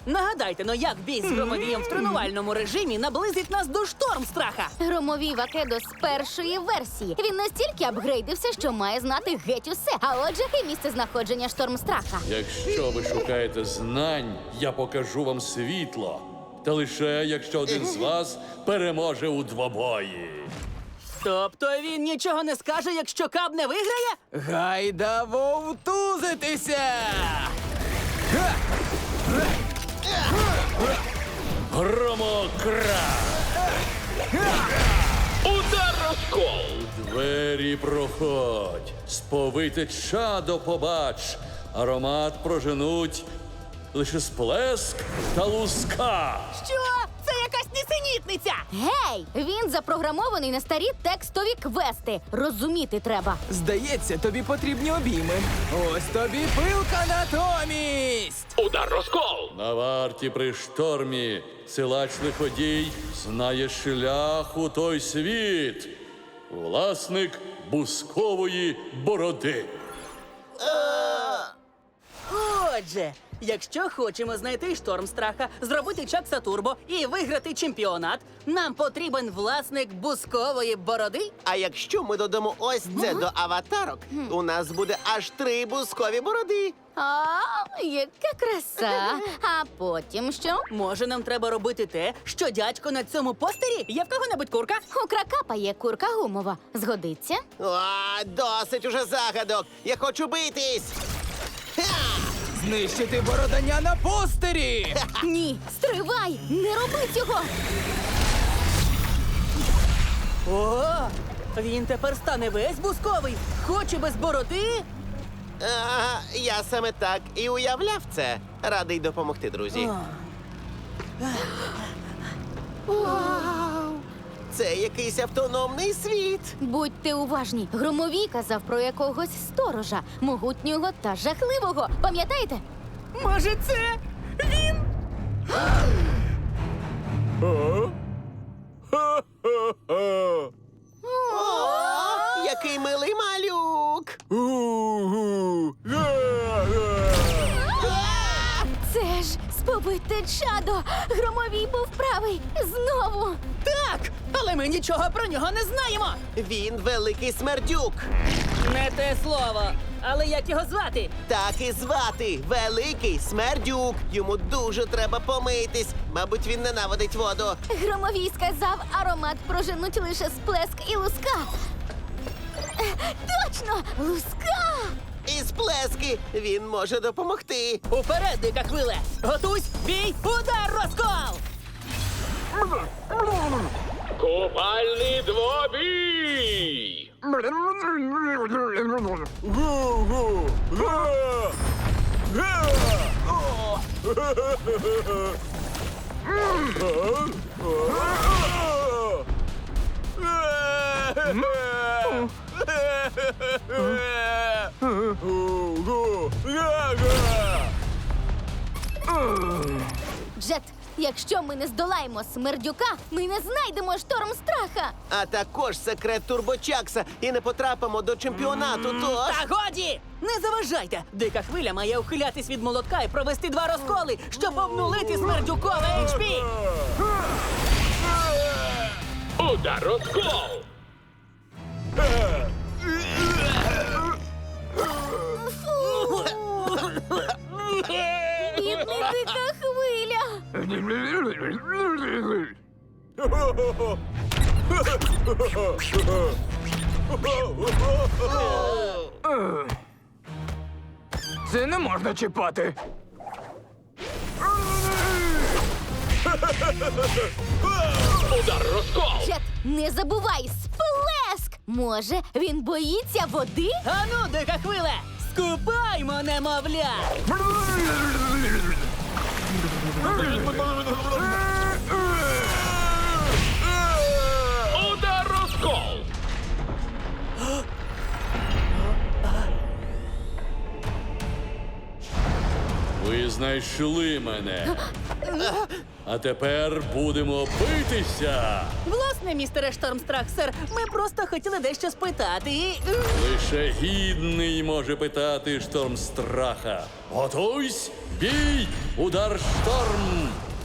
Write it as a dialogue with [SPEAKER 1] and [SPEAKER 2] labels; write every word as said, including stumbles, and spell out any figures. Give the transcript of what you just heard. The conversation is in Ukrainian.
[SPEAKER 1] Нагадайте, ну як бій з Громовієм в тренувальному режимі наблизить нас до Штормстраха?
[SPEAKER 2] Громовій Вакедо з першої версії. Він настільки апгрейдився, що має знати геть усе. А отже, і місце знаходження Штормстраха.
[SPEAKER 3] Якщо ви шукаєте знань, я покажу вам світло. Та лише якщо один з вас переможе у двобої.
[SPEAKER 1] Тобто він нічого не скаже, якщо Каб не виграє?
[SPEAKER 4] Гайда вовтузитися!
[SPEAKER 3] Громокра!
[SPEAKER 5] Удар розкол!
[SPEAKER 3] Двері проходь, сповите чадо побач, аромат проженуть лише сплеск та луска.
[SPEAKER 1] Що? Це якась нісенітниця!
[SPEAKER 2] Гей! Він запрограмований на старі текстові квести. Розуміти треба.
[SPEAKER 4] Здається, тобі потрібні обійми. Ось тобі пилка натомість!
[SPEAKER 5] Удар розкол!
[SPEAKER 3] На варті при штормі силач лиходій знає шлях у той світ. Власник бускової бороди.
[SPEAKER 1] Отже, якщо хочемо знайти Штормстраха, зробити Чакса Турбо і виграти чемпіонат, нам потрібен власник бускової бороди.
[SPEAKER 6] А якщо ми додамо ось це до аватарок, у нас буде аж три бускові бороди.
[SPEAKER 2] А, яка краса! А потім що?
[SPEAKER 1] Може, нам треба робити те, що дядько на цьому постері? Є в кого-небудь курка?
[SPEAKER 2] У Кракапа є курка гумова. Згодиться?
[SPEAKER 6] О, досить уже загадок. Я хочу битись. Ха!
[SPEAKER 4] Знищити бородання на постері!
[SPEAKER 2] Ні, стривай! Не роби цього!
[SPEAKER 1] О, він тепер стане весь бусковий. Хоче без бороди?
[SPEAKER 6] А, я саме так і уявляв це. Радий допомогти, друзі. Вау! Це якийсь автономний світ.
[SPEAKER 2] Будьте уважні. Громовій казав про якогось сторожа, могутнього та жахливого. Пам'ятаєте?
[SPEAKER 1] Може, це він?
[SPEAKER 6] О, який милий малюк.
[SPEAKER 2] Це ж сповите чадо! Громовій був правий! Знову!
[SPEAKER 1] Так, але ми нічого про нього не знаємо.
[SPEAKER 6] Він великий смердюк.
[SPEAKER 1] Не те слово. Але як його звати?
[SPEAKER 6] Так і звати Великий Смердюк. Йому дуже треба помитись. Мабуть, він ненавидить воду.
[SPEAKER 2] Громовій сказав, аромат проженуть лише сплеск і луска. Е, Точно! Луска!
[SPEAKER 6] І сплески він може допомогти.
[SPEAKER 1] Уперед, дика хвиле! Готуйсь, бій, удар, розкол!
[SPEAKER 5] Купальний двобій!
[SPEAKER 2] Джет, якщо ми не здолаємо смердюка, ми не знайдемо Штормстраха.
[SPEAKER 6] А також секрет Турбочакса і не потрапимо до чемпіонату, тож...
[SPEAKER 1] Та годі! Не заважайте! Дика хвиля має ухилятись від молотка і провести два розколи, щоб обнулити смердюкове ейч пі!
[SPEAKER 5] Удар розкол!
[SPEAKER 2] Бідний дика хвиля.
[SPEAKER 4] Це не можна чіпати.
[SPEAKER 5] Удар розкол!
[SPEAKER 2] Джет, не забувай, сплеск! Може, він боїться води?
[SPEAKER 1] Ану, дика хвиле! Скупаймо, немовля!
[SPEAKER 5] Удар розкол!
[SPEAKER 3] Ви знаєте знайшли мене. А тепер будемо битися.
[SPEAKER 1] Власне, містере Штормстрах, сер, ми просто хотіли дещо спитати. і, е,
[SPEAKER 3] Лише гідний може питати шторм страха. Готуйсь, бій, удар шторм.